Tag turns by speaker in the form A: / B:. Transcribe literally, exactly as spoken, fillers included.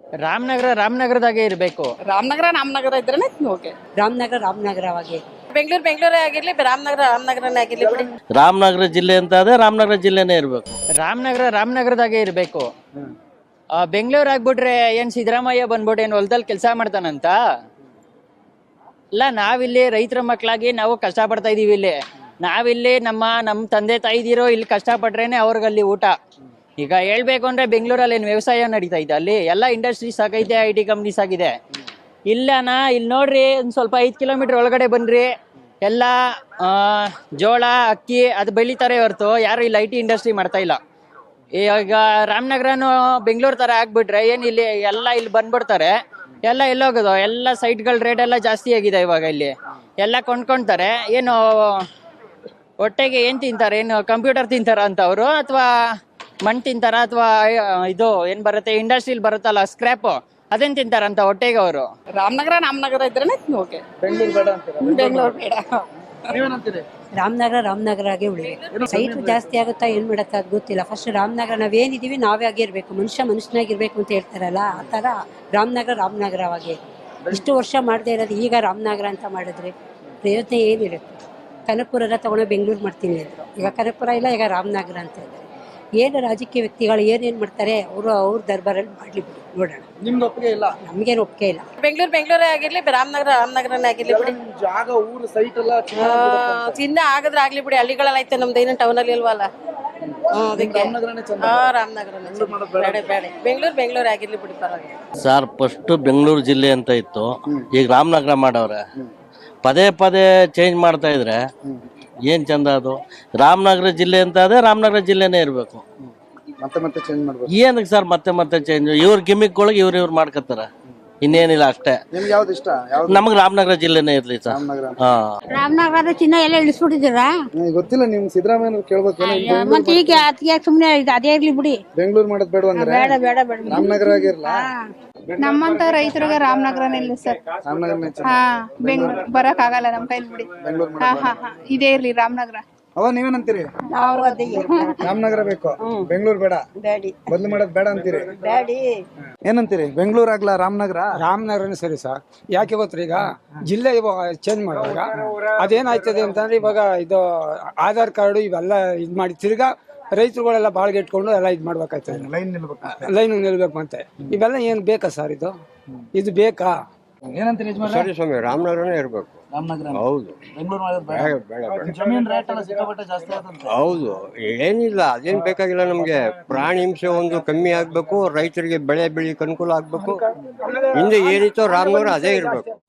A: ರಾಮನಗರ ರಾಮನಗರದಾಗೆ ಇರಬೇಕು.
B: ರಾಮನಗರ ರಾಮನಗರ ಇದ್ರೇನೆ ಓಕೆ.
C: ರಾಮನಗರ ರಾಮನಗರವಾಗಿ.
B: ಬೆಂಗಳೂರು ಬೆಂಗಳೂರೇ ಆಗಿರ್ಲಿ, ರಾಮನಗರ ರಾಮನಗರನೇ ಆಗಿರ್ಲಿ ಬಿಡಿ.
D: ರಾಮನಗರ ಜಿಲ್ಲೆ ಅಂತ ಅದೇ ರಾಮನಗರ ಜಿಲ್ಲೆನೇ ಇರಬೇಕು.
A: ರಾಮನಗರ ರಾಮನಗರದಾಗೆ ಇರಬೇಕು. ಬೆಂಗಳೂರು ಆಗ್ಬಿಟ್ರೆ ಏನ್ ಸಿದ್ದರಾಮಯ್ಯ ಬಂದ್ಬಿಟ್ಟು ಏನ್ ಹೊಲದಲ್ಲಿ ಕೆಲಸ ಮಾಡ್ತಾನಂತ? ಇಲ್ಲ, ನಾವಿಲ್ಲಿ ರೈತರ ಮಕ್ಕಳಾಗಿ ನಾವು ಕಷ್ಟ ಪಡ್ತಾ ಇದೀವಿ. ಇಲ್ಲಿ ನಾವಿಲ್ಲಿ ನಮ್ಮ ನಮ್ಮ ತಂದೆ ತಾಯಿದಿರೋ ಇಲ್ಲಿ ಕಷ್ಟಪಟ್ರೇನೆ ಅವ್ರಿಗಲ್ಲಿ ಊಟ. ಈಗ ಹೇಳ್ಬೇಕು ಅಂದ್ರೆ ಬೆಂಗಳೂರಲ್ಲಿ ಏನು ವ್ಯವಸಾಯ ನಡೀತಾ ಇದೆ? ಅಲ್ಲಿ ಎಲ್ಲ ಇಂಡಸ್ಟ್ರೀಸ್ ಆಗೈತೆ, ಐ ಟಿ ಕಂಪ್ನೀಸ್ ಆಗಿದೆ. ಇಲ್ಲನಾ ಇಲ್ಲಿ ನೋಡ್ರಿ, ಒಂದು ಸ್ವಲ್ಪ ಐದು ಕಿಲೋಮೀಟರ್ ಒಳಗಡೆ ಬನ್ರಿ, ಎಲ್ಲ ಜೋಳ ಅಕ್ಕಿ ಅದು ಬೆಳಿತಾರೆ ಹೊರತು ಯಾರು ಇಲ್ಲಿ ಐ ಟಿ ಇಂಡಸ್ಟ್ರಿ ಮಾಡ್ತಾ ಇಲ್ಲ. ಈಗ ರಾಮನಗರನು ಬೆಂಗಳೂರು ಥರ ಆಗ್ಬಿಟ್ರೆ ಏನು ಇಲ್ಲಿ ಎಲ್ಲ ಇಲ್ಲಿ ಬಂದ್ಬಿಡ್ತಾರೆ. ಎಲ್ಲ ಎಲ್ಲೋಗೋದು, ಎಲ್ಲ ಸೈಟ್ಗಳ ರೇಟ್ ಎಲ್ಲ ಜಾಸ್ತಿ ಆಗಿದೆ ಇವಾಗ. ಇಲ್ಲಿ ಎಲ್ಲ ಕೊಂಡ್ಕೊಳ್ತಾರೆ. ಏನು ಹೊಟ್ಟೆಗೆ ಏನು ತಿಂತಾರೆ? ಏನು ಕಂಪ್ಯೂಟರ್ ತಿಂತಾರ ಅಂತ ಅವರು, ಅಥವಾ ಮಣ್ಣು ತಿಂತಾರ, ಅಥವಾ ಇದು ಏನು ಬರುತ್ತೆ ಇಂಡಸ್ಟ್ರಿಲ್ ಬರುತ್ತಲ್ಲ ಸ್ಕ್ರ್ಯಾಪು, ಅದೇನು ತಿಂತಾರಂತ ಹೊಟ್ಟೆಗೆ ಅವರು?
B: ರಾಮನಗರ ರಾಮನಗರ ಇದ್ರೇನೆ ಓಕೆ.
E: ಬೆಂಗಳೂರು ಬೇಡ ಅಂತೀರಾ?
B: ಬೆಂಗಳೂರು ಬೇಡ.
E: ನೀವೇನಂತೀರಿ?
C: ರಾಮನಗರ ರಾಮನಗರಗೆ ಉಳಿಬೇಕು. ಸೈಟ್ ಜಾಸ್ತಿ ಆಗುತ್ತಾ ಏನ್ ಮಾಡುತ್ತಾ ಅದು ಗೊತ್ತಿಲ್ಲ. ಫಸ್ಟ್ ರಾಮನಗರ ನಾವೇನಿದೀವಿ ನಾವೇ ಆಗಿರ್ಬೇಕು, ಮನುಷ್ಯ ಮನುಷ್ಯನಾಗಿರ್ಬೇಕು ಅಂತ ಹೇಳ್ತಾರಲ್ಲ, ಆ ತರ ರಾಮನಗರ ರಾಮನಗರವಾಗಿ. ಇಷ್ಟು ವರ್ಷ ಮಾಡದೇ ಇರೋದು ಈಗ ರಾಮನಗರ ಅಂತ ಮಾಡಿದ್ರೆ ಪ್ರಯೋಜನ ಏನಿರುತ್ತೆ? ಕನಕಪುರ ಎಲ್ಲ ತಗೊಂಡು ಬೆಂಗಳೂರು ಮಾಡ್ತೀನಿ ಅಂದರು, ಈಗ ಕನಕಪುರ ಇಲ್ಲ, ಈಗ ರಾಮನಗರ ಅಂತ ಇದ್ದಾರೆ. ಏನು ರಾಜಕೀಯ ವ್ಯಕ್ತಿಗಳು ಏನೇನು ಮಾಡ್ತಾರೆ ಅವರು ಅವ್ರ ದರ್ಬಾರಲ್ಲಿ ಮಾಡ್ಲಿ ಬಿಡಿ, ನೋಡೋಣ.
E: ನಿಮ್ಗೆ ಒಪ್ಪಿಗೆ ಇಲ್ಲ?
C: ನಮ್ಗೇನು ಒಪ್ಪಿಗೆ ಇಲ್ಲ.
B: ಬೆಂಗಳೂರು ಬೆಂಗಳೂರೇ ಆಗಿರ್ಲಿ, ರಾಮನಗರ ರಾಮನಗರನೇ ಆಗಿರ್ಲಿ ಬಿಡಿ.
E: ನಿಮ್ ಜಾಗ ಊರು ಸೈಟ್ ಎಲ್ಲ
B: ಚಿನ್ನ ಆಗದ್ರೆ ಆಗ್ಲಿ ಬಿಡಿ. ಹಳ್ಳಿಗಳಲ್ಲಿ ಐತೆ, ನಮ್ದು ಏನು ಟೌನ್ ಅಲ್ಲಿ ಇಲ್ವಲ್ಲ. ಅದಕ್ಕೆ
E: ರಾಮನಗರನೇ ಚಂದ.
B: ಹಾ ರಾಮನಗರನೇ ಬೇಡ ಬೇಡ. ಬೆಂಗಳೂರು ಬೆಂಗಳೂರು ಆಗಿರ್ಲಿ ಬಿಡಿ, ಪರವಾಗಿಲ್ಲ.
D: ಸರ್, ಫಸ್ಟ್ ಬೆಂಗಳೂರು ಜಿಲ್ಲೆ ಅಂತ ಇತ್ತು, ಈಗ ರಾಮನಗರ ಮಾಡವ್ರೆ. ಪದೇ ಪದೇ ಚೇಂಜ್ ಮಾಡ್ತಾ ಇದ್ರೆ ಏನ್ ಚಂದ ಅದು? ರಾಮನಗರ ಜಿಲ್ಲೆ ಅಂತ ಅದೇ ರಾಮನಗರ ಜಿಲ್ಲೆನೇ ಇರಬೇಕು.
E: ಮತ್ತೆ ಮತ್ತೆ ಚೇಂಜ್ ಮಾಡ್ಬೇಕು.
D: ಏನಕ್ಕೆ ಸರ್ ಮತ್ತೆ ಮತ್ತೆ ಚೇಂಜ್? ಇವ್ರ ಗಿಮಿಕ್ಗಳಿಗೆ ಇವ್ರ ಇವ್ರು ಮಾಡ್ಕೊತಾರ, ಇನ್ನೇನಿಲ್ಲ ಅಷ್ಟೇ.
E: ನಿಮ್ಗೆ ಯಾವ್ದು ಇಷ್ಟ? ಯಾವ್ದು?
D: ನಮಗ್ ರಾಮನಗರ ಜಿಲ್ಲೆನೇ ಇರ್ಲಿ ಸರ್.
E: ರಾಮನಗರ.
D: ಹಾ,
F: ರಾಮನಗರದ ಚಿನ್ನ ಎಲ್ಲ ಇಳಿಸ್ಬಿಟ್ಟಿದ್ದೀರಾ?
E: ನನಗೆ ಗೊತ್ತಿಲ್ಲ, ನಿಮ್ ಸಿದ್ದರಾಮಯ್ಯ ಕೇಳ್ಬೇಕು.
F: ಮತ್ತೆ ಈಗ ಅದಕ್ಕೆ ಸುಮ್ನೆ ಅದೇ ಇರ್ಲಿ ಬಿಡಿ.
E: ಬೆಂಗಳೂರು ಮಾಡೋದ್ ಬೇಡ ಅಂದ್ರೆ
F: ಬೇಡ ಬೇಡ ಬೇಡ.
E: ರಾಮನಗರ ಆಗಿರ್ಲ?
G: ನಮ್ಮಂತ ರೈತರಿಗೆ ರಾಮನಗರನೇ ಇಲ್ಲ ಸರ್.
E: ರಾಮನಗರನೇ ಚಂದ.
G: ಹಾ, ಬೆಂಗಳೂರು ಬರಕ್ ಆಗಲ್ಲ ನಮ್ ಕೈಲಿ ಬಿಡಿ.
E: ಬೆಂಗಳೂರು
G: ಹಾ
E: ಮಾಡೋದ್
G: ಹಾ ಹಾ ಇದೇ ಇರ್ಲಿ ರಾಮನಗರ.
E: ಅವ ನೀವೇನಂತೀರಿ?
C: ನಾವು ಅದೇ
E: ರಾಮನಗರ ಬೇಕು, ಬೆಂಗಳೂರು ಬೇಡ,
C: ಬೇಡಿ
E: ಬದಲು ಮಾಡೋದ್ ಬೇಡ ಅಂತೀರಿ?
C: ಬೇಡಿ.
E: ಏನಂತೀರಿ? ಬೆಂಗಳೂರು ಆಗ್ಲಾ ರಾಮನಗರ?
H: ರಾಮನಗರನೇ ಸರಿ ಸರ್. ಯಾಕೆ ಗೊತ್ತಾ, ಈಗ ಜಿಲ್ಲೆ ಇವಾಗ ಚೇಂಜ್ ಮಾಡುವಾಗ ಅದೇನಾಯ್ತದೆ ಅಂತಂದ್ರೆ, ಇವಾಗ ಇದು ಆಧಾರ್ ಕಾರ್ಡು ಇವೆಲ್ಲ ಇದ್ ಮಾಡಿ ತಿರ್ಗಾ ರೈತರುಗಳೆಲ್ಲ ಬಾಳ್ಗೆ ಇಟ್ಕೊಂಡು ಎಲ್ಲ ಇದ್ ಮಾಡ್ಬೇಕಾಯ್ತದೆ.
E: ಲೈನ್ ನಿಲ್ಬೇಕು,
H: ಲೈನ್ ನಿಲ್ಬೇಕು ಅಂತೆ. ಇವೆಲ್ಲ ಏನ್ ಬೇಕಾ ಸರ್? ಇದು ಇದು ಬೇಕಾ?
E: ಏನಂತೀರಿ ಯಜಮಾನ್ರೆ?
I: ಸರಿ ಸ್ವಾಮಿ, ರಾಮನಗರನೇ ಇರಬೇಕು.
E: ರಾಮನಗರ
I: ಹೌದು.
E: ಬೆಂಗಳೂರು ಮಾಡೋದ್ ಬೇಡ?
I: ಬೇಡ ಬೇಡ ಬೇಡ.
E: ಜಮೀನ್ ರೇಟ್ ಎಲ್ಲ ಸಿಕ್ಕಾಪಟ್ಟೆ ಜಾಸ್ತಿ ಆಗುತ್ತೆ.
I: ಹೌದು, ಏನಿಲ್ಲ, ಅದೇನ್ ಬೇಕಾಗಿಲ್ಲ ನಮ್ಗೆ. ಪ್ರಾಣಿ ಹಿಂಸೆ ಒಂದು ಕಮ್ಮಿ ಆಗ್ಬೇಕು, ರೈತರಿಗೆ ಬೆಳೆ ಬೆಳಿಕ್ ಅನುಕೂಲ ಆಗ್ಬೇಕು. ಹಿಂದೆ ಏನಿತ್ತೋ ರಾಮನಗರ ಅದೇ ಇರ್ಬೇಕು.